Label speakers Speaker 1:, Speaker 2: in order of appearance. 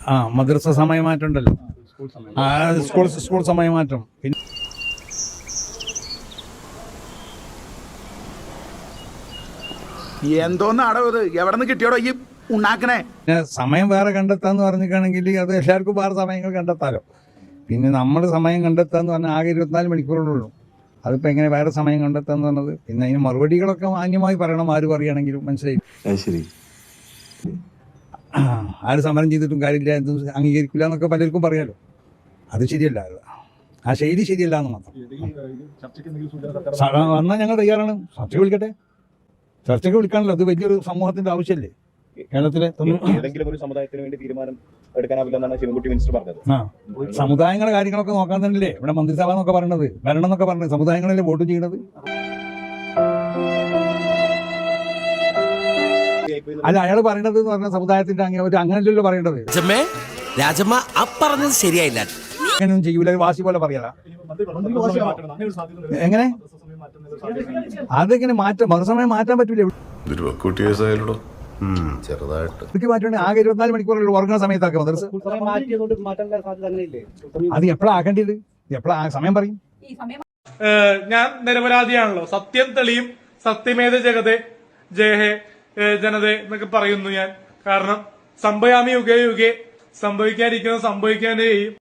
Speaker 1: മദ്രസ സമയമാറ്റം ഉണ്ടല്ലോ, സ്കൂൾ സമയമാറ്റം. പിന്നെ
Speaker 2: എന്തോന്നാടോ ഇത്, എവിടെ നിന്ന് കിട്ടിയോടോ ഈ ഉണ്ടാക്കണേ?
Speaker 1: സമയം വേറെ കണ്ടെത്താന്ന് പറഞ്ഞിട്ടാണെങ്കിൽ അത് എല്ലാവർക്കും വേറെ സമയങ്ങൾ കണ്ടെത്താലോ. പിന്നെ നമ്മൾ സമയം കണ്ടെത്താന്ന് പറഞ്ഞാൽ ആകെ 24 മണിക്കൂറുള്ളൂ. അതിപ്പോൾ എങ്ങനെ വേറെ സമയം കണ്ടെത്താന്ന് പറഞ്ഞത്? പിന്നെ അതിന് മറുപടികളൊക്കെ മാന്യമായി പറയണം, ആര് പറയുകയാണെങ്കിലും. മനസ്സിലായി?
Speaker 3: ശരി.
Speaker 1: ആര് സമരം ചെയ്തിട്ടും കാര്യമില്ല, എന്ത് അംഗീകരിക്കില്ല എന്നൊക്കെ പലർക്കും പറയാലോ. അത് ശരിയല്ല, ആ ശൈലി ശരിയല്ല എന്ന് മാത്രം. വന്നാൽ ഞങ്ങൾ തയ്യാറാണ്. ചർച്ചയ്ക്ക് വിളിക്കട്ടെ, ചർച്ചയ്ക്ക് വിളിക്കാണല്ലോ. അത് വലിയൊരു സമൂഹത്തിന്റെ ആവശ്യമല്ലേ കേരളത്തിലെ.
Speaker 4: ഏതെങ്കിലും ഒരു സമുദായത്തിന് വേണ്ടി തീരുമാനം എടുക്കാനാവില്ലെന്നാണ് ശിവൻകുട്ടി മിനിസ്റ്റർ പറഞ്ഞത്.
Speaker 1: സമുദായങ്ങളുടെ കാര്യങ്ങളൊക്കെ നോക്കാൻ തന്നെയല്ലേ ഇവിടെ മന്ത്രിസഭ എന്നൊക്കെ പറയണത്, ഭരണം എന്നൊക്കെ പറഞ്ഞത്. സമുദായങ്ങളല്ലേ വോട്ട് ചെയ്യണത്? അല്ല, അയാൾ പറയണത് എന്ന് പറഞ്ഞാൽ സമുദായത്തിന്റെ അങ്ങനെയല്ലല്ലോ പറയേണ്ടത്.
Speaker 5: രാജമ്മ പറഞ്ഞത് ശരിയായില്ല.
Speaker 1: അങ്ങനെയൊന്നും ചെയ്യൂല, വാശി പോലെ പറയാ. എങ്ങനെ അതെങ്ങനെ മാറ്റാം? മറുസമയം മാറ്റാൻ പറ്റൂല. ചെറുതായിട്ട് മാറ്റേണ്ട ആകെ 24 മണിക്കൂറുള്ള ഉറങ്ങുന്ന സമയത്താക്കുക മദ്രസ. അത് എപ്പോഴാ ആക്കേണ്ടത്? എപ്പോഴാ സമയം പറയും?
Speaker 6: ഞാൻ നിരപരാധിയാണല്ലോ, സത്യം തെളിയും, സത്യമേത ജഗതേ ജയഹേ ജനതേ എന്നൊക്കെ പറയുന്നു ഞാൻ. കാരണം സംഭയാമി യുഗേ യുഗേ, സംഭവിക്കാതിരിക്കുന്നത് സംഭവിക്കാനേ ചെയ്യും.